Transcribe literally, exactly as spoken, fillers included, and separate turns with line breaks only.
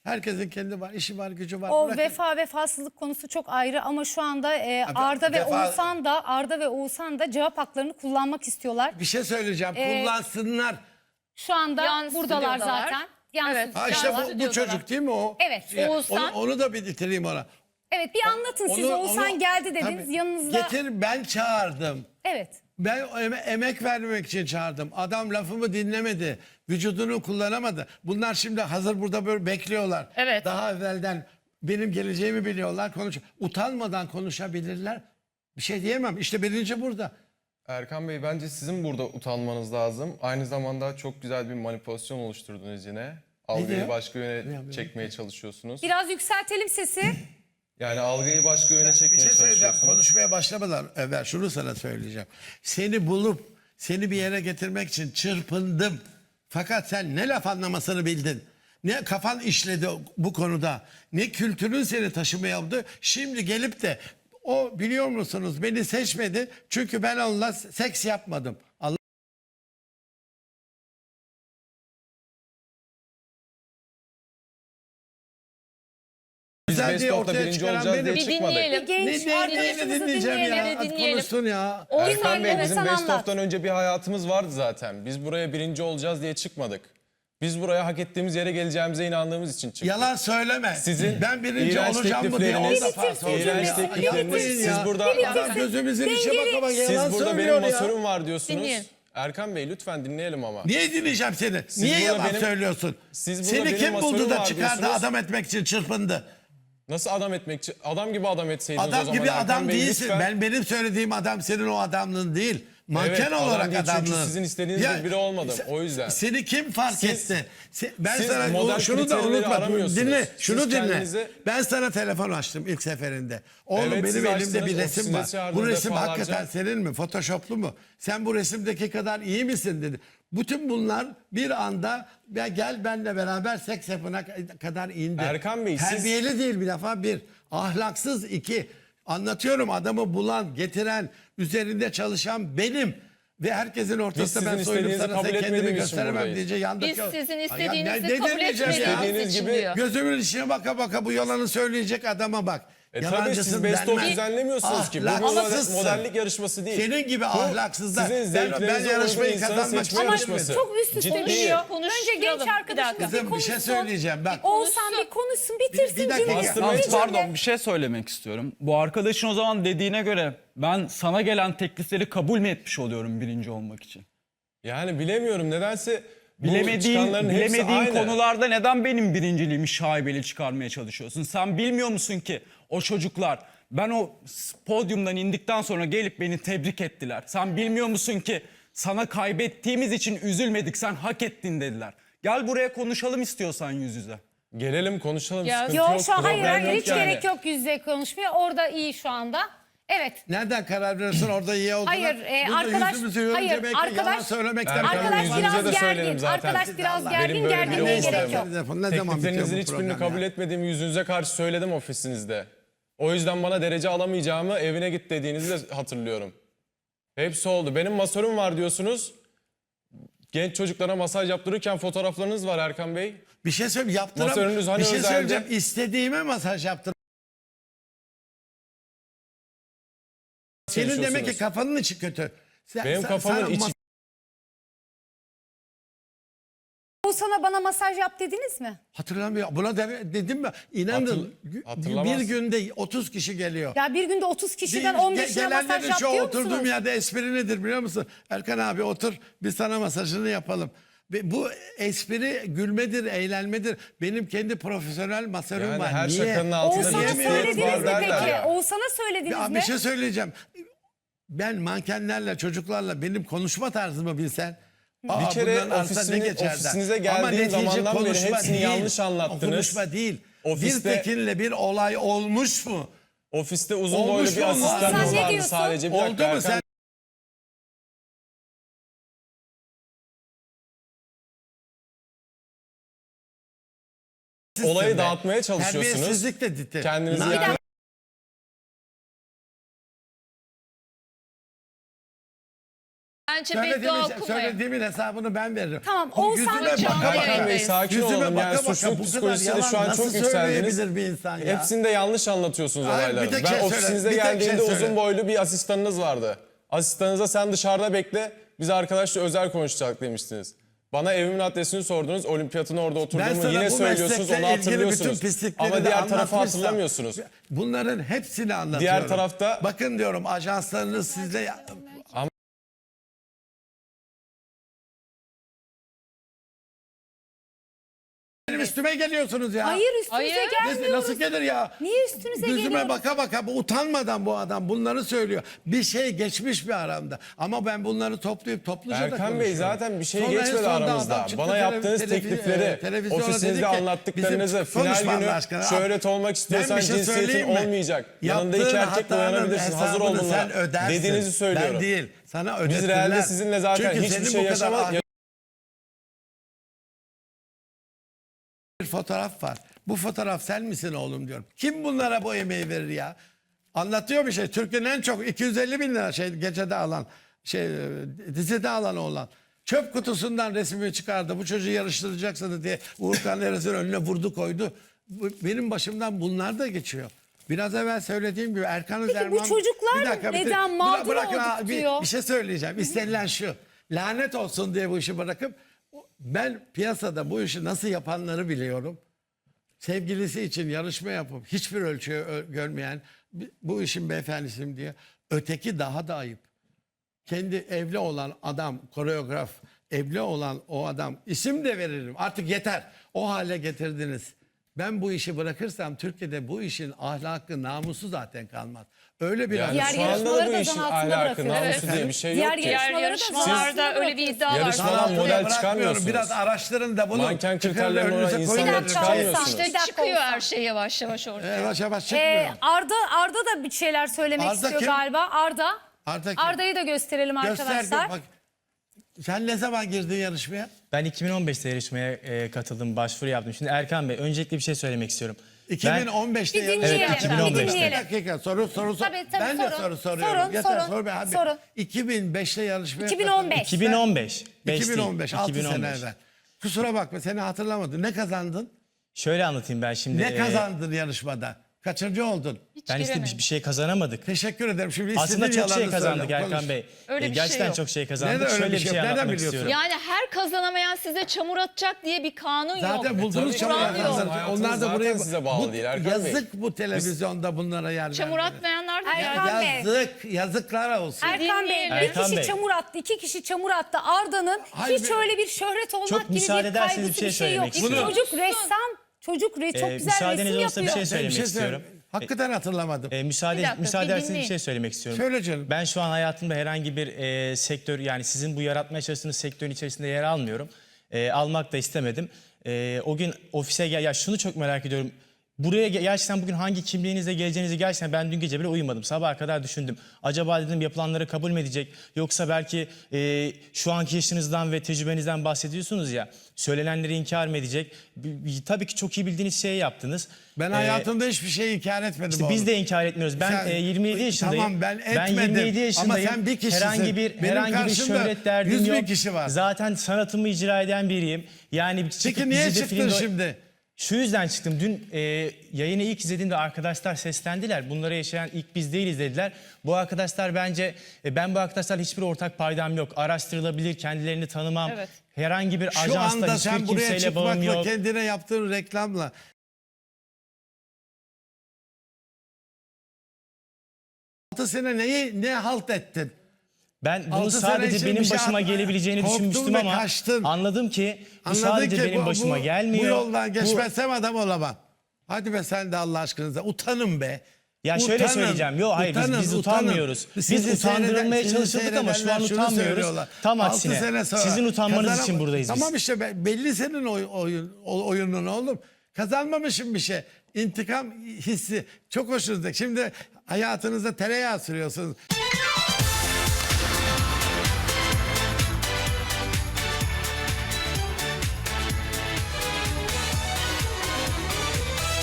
Herkesin kendi var, işi var, gücü var.
O
Bırakın.
vefa vefasızlık konusu çok ayrı ama şu anda e,
Abi,
Arda ve
vefa-
Oğuzhan da Arda ve Oğuzhan da cevap haklarını kullanmak istiyorlar.
Bir şey söyleyeceğim.
Ee,
Kullansınlar.
Şu anda
Yan
buradalar
stüdyodalar.
zaten. Yan
Evet.
Ha işte bu, bu
stüdyodalar.
çocuk değil mi o?
Evet.
Ya,
Oğuzhan.
Onu, onu da bir bitireyim ona.
Evet, bir anlatın siz.
Onu-
Oğuzhan
onu-
geldi dediniz.
Tabii.
Yanınızda.
Getir, ben çağırdım.
Evet.
Ben eme- emek vermek için çağırdım. Adam lafımı dinlemedi. Vücudunu kullanamadı. Bunlar şimdi hazır burada böyle bekliyorlar.
Evet.
Daha evvelden benim geleceğimi biliyorlar. Konuş Utanmadan konuşabilirler. Bir şey diyemem. İşte birinci burada.
Erkan Bey, bence sizin burada utanmanız lazım. Aynı zamanda çok güzel bir manipülasyon oluşturdunuz yine.
diyor?
Algıyı başka
Ne
yöne
yapıyor?
çekmeye çalışıyorsunuz.
Biraz yükseltelim sesi.
Yani algıyı başka yöne
Bir
çekmeye
şey söyleyeceğim.
çalışıyorsunuz.
Konuşmaya başlamadan evvel şunu sana söyleyeceğim. Seni bulup seni bir yere getirmek için çırpındım. Fakat sen ne laf anlamasını bildin. Ne kafan işledi bu konuda. Ne kültürün seni taşımaya aldı. Şimdi gelip de o, biliyor musunuz, beni seçmedi. Çünkü ben onunla seks yapmadım. Allah
Biz
güzel diye
Best of'ta
ortaya
birinci
çıkaran
olacağız
benim.
diye
Bir
çıkmadık.
dinleyelim.
Bir genç
Ne, ne,
arkadaşımızı
neyini dinleyeceğim ya?
dinleyelim.
Hadi
dinleyelim.
konuşsun ya.
Oğuzhan
Erkan Bey,
evet,
bizim
sen
Best
anlat.
of'tan önce bir hayatımız vardı zaten. Biz buraya birinci olacağız diye çıkmadık. Biz buraya hak ettiğimiz yere geleceğimize inandığımız için çıktık.
Yalan söyleme.
Sizin
ben birinci
iğrenç
olacağım mı diye on
teklifleriniz,
defa sordum.
iğrenç
ya.
teklifleriniz,
Yapmayın
siz
ya.
burada-
Adam gözümüzün içe baka bak yalan
Siz burada
söylüyor
benim
ya.
masörüm var diyorsunuz.
Dinleyin.
Erkan Bey, lütfen dinleyelim ama.
Niye dinleyeceğim seni? Niye
burada
yalan
benim-
söylüyorsun?
siz burada
Seni
benim
kim buldu
masörüm
da
var
çıkardı
diyorsunuz.
adam etmek için çırpındı?
Nasıl adam etmek için? Adam gibi adam etseydiniz o
Adam
zaman.
gibi
Erkan
adam
Bey,
değilsin.
lütfen.
Ben benim söylediğim adam senin o adamlığın değil. Manken
Evet, adam
olarak
değil çünkü
adamlığın.
sizin istediğiniz gibi biri olmadım, o yüzden.
Seni kim fark
Siz-
etti? Se- Ben
siz
sana
model
o- şunu da
kriterleri
unutma.
aramıyorsunuz.
Dinle.
Siz
Şunu dinle.
kendinize-
Ben sana telefon açtım ilk seferinde. Oğlum
Evet,
benim
siz
elimde
açtınız,
bir resim
ofisine
var. Bu
çağırdınız
resim
defalarca.
hakikaten senin mi? Photoshoplu mu? Sen bu resimdeki kadar iyi misin dedi. Bütün bunlar bir anda ya gel benle beraber seks yapına kadar indi.
Erkan Bey, siz-
Terbiyeli değil bir defa bir. Ahlaksız iki. Anlatıyorum, adamı bulan, getiren, üzerinde çalışan benim. Ve herkesin ortasında
sizin
ben soyunup
istediğinizi
sana
kabul
sen kendimi
etmediğimiz için
gösteremem
buradayız.
diyece yandaki.
Biz sizin
Ay ya
istediğinizi
ne- ne
kabul
demeyeceğim ya?
etmediğiniz
İstediğiniz
için
gibi-
diyor.
Gözümün içine baka baka bu yalanı söyleyecek adama bak.
E tabii
Yalancısın
siz Best of
denmez.
düzenlemiyorsunuz ki. Bu bir
Ahlaksızsın.
modellik yarışması değil.
Senin gibi
Bu
ahlaksızlar.
Sizin
Ben,
zevklerinize
ben
uygun
yarışmayı
insanı
kazanmak
seçme
Ama
yarışması.
çok üst üste
Ciddi.
düşüyor.
Konuşturalım.
Önce genç
Bir
arkadaşımız
dakika.
bir
Kızım bir şey
konuşsun.
söyleyeceğim bak.
Oğuzhan bir konuşsun, bitirsin.
Bir- bir dakika.
cümleyi.
Bastırmayın.
Bir
Yalnız
cümle.
pardon, bir şey söylemek istiyorum. Bu arkadaşın o zaman dediğine göre ben sana gelen teklifleri kabul mü etmiş oluyorum birinci olmak için?
Yani bilemiyorum, nedense bu
Bilemediğin,
çıkanların hepsi
bilemediğin
aynı.
konularda neden benim birinciliğimi şaibeli çıkarmaya çalışıyorsun? Sen bilmiyor musun ki o çocuklar ben o podyumdan indikten sonra gelip beni tebrik ettiler. Sen bilmiyor musun ki sana kaybettiğimiz için üzülmedik, sen hak ettin dediler. Gel buraya konuşalım istiyorsan yüz yüze.
Gelelim konuşalım,
Ya-
sıkıntı
Yok
yok,
şu an hayır,
problem
hayır
yok
hiç
yani.
gerek yok yüz yüze konuşmaya. Orada iyi şu anda. Evet.
Nereden karar veriyorsun orada iyi olduğuna?
Hayır, e,
Burada
arkadaş-
yüzümüzü görünce
hayır,
belki
arkadaş-
yalan söylemekten
Erkan Bey,
Arkadaş
yüzünüze
biraz
de söylerim
gergin.
zaten.
Arkadaş biraz
Benim
gergin.
böyle bir
Gerginliğe
olmam.
gerek yok.
Telefon ne zaman bitiyor
Tekliflerinizin
bu
hiçbirini
program
kabul
ya?
etmediğimi yüzünüze karşı söyledim ofisinizde. O yüzden bana derece alamayacağımı, evine git dediğinizi de hatırlıyorum. Hepsi oldu. Benim masörüm var diyorsunuz. Genç çocuklara masaj yaptırırken fotoğraflarınız var Erkan Bey.
Bir şey söyleyeyim, yaptıram.
Masörünüz hani
bir şey
özelde?
söyleyeceğim. İstediğime masaj yaptır. Senin demek ki
Çalışıyorsunuz.
kafanın içi kötü. Sen,
Benim
sen-
kafamın
sana
içi...
mas-
Oğuzhan'a bana masaj yap dediniz mi?
Hatırlamıyor. Buna de, dedim mi? İnanın
Hatır-
gü-
hatırlamaz.
bir günde otuz kişi geliyor.
Ya bir günde otuz kişiden
Ge-
on beşine masaj
gelenlerin
yap
şu
diyor
oturduğum
musunuz?
yerde espri nedir biliyor musun? Erkan abi otur, biz sana masajını yapalım. Ve bu espri gülmedir, eğlenmedir. Benim kendi profesyonel masörüm
Yani
var.
her
Niye?
şakanın altında
Oğuzhan'a
bir ciddiyet
söylediniz
var
mi
derler
peki?
ya.
Oğuzhan'a söylediniz
Ya
mi?
bir şey söyleyeceğim. Ben mankenlerle, çocuklarla benim konuşma tarzımı bilsen. aa,
kere
bunların arasında
ofisini-
ne geçer der.
ofisinize
Ama
geldiğim
netice
zamandan beri
konuşma
hepsini
değil.
yanlış anlattınız.
O konuşma değil.
Ofiste-
Bir Tekin'le bir olay olmuş mu?
Ofiste uzun
Olmuş
boylu bir
mu?
asistanınız
Sen ne
vardı
diyorsun?
sadece. Bir
Oldu
dakika
mu
Erkan
sen?
Olayı dağıtmaya çalışıyorsunuz.
Terbiyesizlik de dedi.
Kendinizi
Na-
yani...
Bence
Söylediğimin-
beddua okumayın.
Söylediğimin hesabını ben veririm.
Tamam,
Bu
Oğuzhan
yüzüme
da canlı
baka baka-
yayındayız.
Bey sakin
yüzüme
olalım.
baka
Yani
baka
suçluluk
bu kadar
psikolojisiyle şu
yalan
an çok
nasıl
yükseldiniz.
söyleyebilir bir insan ya?
Hepsini de yanlış anlatıyorsunuz
Hayır, bir
olayları.
tek
Ben
şey söyle,
ofisinizde
bir tek şey
geldiğimde
söyle.
uzun boylu bir asistanınız vardı. Asistanınıza sen dışarıda bekle, biz arkadaşla özel konuşacak demiştiniz. Bana evimin adresini sordunuz, olimpiyatın orada
Ben
oturduğumu
sana
yine
bu
söylüyorsunuz,
meslekle
onu
ilgili bütün
hatırlıyorsunuz.
pislikleri
Ama
de
diğer tarafı
anlatmışsam,
hatırlamıyorsunuz.
Bunların hepsini anlatıyorum.
Diğer tarafta-
Bakın diyorum ajanslarınız sizle... Benim üstüme geliyorsunuz ya.
Hayır üstünüze
Hayır.
Nasıl,
gelmiyoruz.
nasıl gelir ya?
Niye üstünüze
Yüzüme
geliyoruz?
baka baka bu utanmadan bu adam bunları söylüyor. Bir şey geçmiş bir aramda. Ama ben bunları toplayıp topluca da
Erkan
konuşuyorum.
Bey zaten bir şey
Sonra en
geçmedi
sonunda
aramızda.
adam çıktı
Bana
tele-
yaptığınız
televiz-
teklifleri,
e, televizyona dedi
ofisinizde
ki,
anlattıklarınızı,
bizim-
final
konuşma
günü
Allah aşkına.
şöhret olmak
Ben
istiyorsan
bir şey
cinsiyetin
söyleyeyim mi?
olmayacak. Yanında
Yaptığın
iki erkekle
hatanın
uyanabilirsin. Hazır ol
hesabını
bunlara.
sen ödersin.
Dediğinizi söylüyorum.
Ben değil. Sana ödetirler.
Biz realde sizinle zaten
Çünkü
hiçbir
senin
şey
bu kadar
yaşamadık.
bir fotoğraf var. Bu fotoğraf sen misin oğlum diyorum. Kim bunlara bu emeği verir ya? Anlatıyor bir şey. Türkiye'nin en çok iki yüz elli bin lira şey gecede alan, şey dizide alan olan. Çöp kutusundan resmimi çıkardı. Bu çocuğu yarıştıracaksınız diye Uğur Kanderes'in önüne vurdu koydu. Bu- Benim başımdan bunlar da geçiyor. Biraz evvel söylediğim gibi Erkan Özerman...
bu çocuklar
Bir dakika, bitir-
neden
Bıra-
mağdur
bırakın
olduk
ha, bir,
diyor?
bir şey söyleyeceğim. İstenilen şu. Lanet olsun diye bu işi bırakıp ben piyasada bu işi nasıl yapanları biliyorum. Sevgilisi için yarışma yapıp hiçbir ölçüye ö- görmeyen bi- bu işin beyefendisiyim diye. Öteki daha da ayıp. Kendi evli olan adam, koreograf, evli olan o adam isim de veririm. Artık yeter. O hale getirdiniz. Ben bu işi bırakırsam Türkiye'de bu işin ahlakı, namusu zaten kalmaz. Öyle bir
Yani
Diğer
şu anda da
yarışmaları
bu
da
işin
zan altında
ahlakı,
bırakıyoruz.
namusu diye bir şey
Diğer
yok ki.
Diğer
yarışmaları da
yarışmalarda
zan
öyle bir iddia var.
Yarışmadan
Sanatçıya
model
bırakmıyorum.
çıkarmıyorsunuz.
Biraz araştırın da bunu.
Manken
çıkarın
kriterlerine
önünüze
olan
koyun.
insanları
Bir dakika,
çıkarmıyorsunuz.
Oğuzhan.
İşte
dakika
çıkıyor
olsa.
her şey yavaş yavaş ortaya.
Yavaş yavaş çıkmıyor.
Ee, Arda Arda da bir şeyler söylemek
Arda
istiyor
kim?
galiba. Arda.
Arda kim?
Arda'yı da gösterelim
Göster,
arkadaşlar.
bak. Sen ne zaman girdin yarışmaya?
Ben iki bin on beşte yarışmaya e, katıldım, başvuru yaptım. Şimdi Erkan Bey, öncelikle bir şey söylemek istiyorum.
iki bin on beşte
Bir
yarışmaya.
dinleyelim,
Evet, iki bin on beşte.
bir dinleyelim.
Bir dakika soru soru sor.
Tabii, tabii,
ben de
sorun.
soru soruyorum.
Sorun,
Yeter,
sorun,
sor be abi.
sorun.
iki bin beşte yarışmaya
iki bin on beş.
iki bin on beş. beş
iki bin on beş,
değil,
altı
iki bin on
sene
beş.
evvel. Kusura bakma seni hatırlamadım. Ne kazandın?
Şöyle anlatayım ben şimdi.
Ne
e,
kazandın yarışmada? Kaçıncı oldun?
Ben işte bir, bir şey kazanamadık.
Teşekkür ederim. Şimdi
Aslında
istediğin
çok şey
yalanı
kazandık
söyle,
Erkan
konuş.
Bey.
Öyle
E,
bir şey
gerçekten
yok.
çok şey kazandık.
Nerede öyle
Şöyle
bir
bir
şey
şey
yok? Nereden
anlatmak
biliyorsun?
istiyorum.
Yani her kazanamayan size çamur atacak diye bir kanun
Zaten
yok.
buldunuz
Tabii,
çamur
kural yok.
atanları.
Hayatınız
Onlar da
zaten
buraya
size bağlı
bu-
değil Erkan Bey.
yazık bu televizyonda bunlara yer
Çamur
vermeleri.
atmayanlar da
Erkan
yani.
Bey.
Yazık, yazıklar olsun.
Erkan Bey
Dinleyelim.
bir
Erkan
kişi
Bey.
çamur attı, iki kişi çamur attı. Arda'nın
Hayır,
hiç
be-
öyle bir şöhret olmak
Çok
gibi
müsaade
bir
ederseniz
kaygısı
bir şey
bir şey yok.
söylemek istiyorum.
Çocuk ressam, çocuk re- çok
Ee,
güzel
müsaadeniz
resim
olsa bir
yapıyor.
şey
Ben bir
söylemek istiyorum.
söyle- Hakikaten hatırlamadım.
E, müsaade
Bir dakika,
müsaade
bir
ederseniz bir
dinleyin.
şey söylemek istiyorum.
Söyle canım.
Ben şu an hayatımda herhangi bir e, sektör, yani sizin bu yaratmaya çalıştığınız sektörün içerisinde yer almıyorum. E, almak da istemedim. E, o gün ofise gel, ya şunu çok merak ediyorum. Buraya ge- gerçekten bugün hangi kimliğinizle geleceğinizi gerçekten ben dün gece bile uyumadım. Sabaha kadar düşündüm. Acaba dedim yapılanları kabul mü edecek? Yoksa belki e, şu anki yaşınızdan ve tecrübenizden bahsediyorsunuz ya. Söylenenleri inkar mı edecek? B- b- Tabii ki çok iyi bildiğiniz şeyi yaptınız.
Ben
E,
hayatımda hiçbir şey inkar etmedim
işte
oğlum.
biz de inkar etmiyoruz. Ben
Sen-
e, yirmi yedi yaşındayım.
Tamam ben etmedim.
yirmi yedi yaşındayım.
Ama sen bir kişisin.
Herhangi bir
Benim
herhangi bir
karşımda
şöhret derdim
yüz bin
yok.
kişi var.
Zaten sanatımı icra eden biriyim. Yani çıkıp
Peki niye
dizide,
çıktın
filmde-
şimdi?
Şu yüzden çıktım. Dün e, yayını ilk izlediğimde arkadaşlar seslendiler. Bunları yaşayan ilk biz değiliz dediler. Bu arkadaşlar bence, e, ben bu arkadaşlarla hiçbir ortak paydam yok. Araştırılabilir, kendilerini tanımam.
Evet.
Herhangi bir
Şu
ajansla
anda
hiçbir
sen buraya
kimseyle bağım
çıkmakla
yok.
kendine yaptığın reklamla altı sene neyi ne halt ettin?
Ben bunu
Altı sene
sadece
için
benim
bir şey
başıma
yapma.
gelebileceğini
Korktun
düşünmüştüm
ve
ama
kaçtın.
anladım ki bu
Anladın
sadece
ki
benim
bu-
başıma
bu-
gelmiyor.
Bu yoldan
Bu-
geçmezsem adam olamam. Hadi be sen de Allah aşkınıza utanın be.
Ya şöyle
Utanın,
söyleyeceğim. Yok hayır biz,
utanın,
biz
utanın.
utanmıyoruz. Biz
Sizi
utandırılmaya
seyreden-
çalışıldık
sizi
ama şu an
seyredenler şunu
utanmıyoruz.
söylüyorlar.
Tam
Altı
aksine.
sene sonra
Sizin utanmanız
kazanam-
için buradayız biz.
Tamam işte be- belli senin oy, oyun, o- oyunun oğlum. Kazanmamışım bir şey. İntikam hissi çok hoşunuzdaki. Şimdi hayatınızda tereyağı sürüyorsunuz.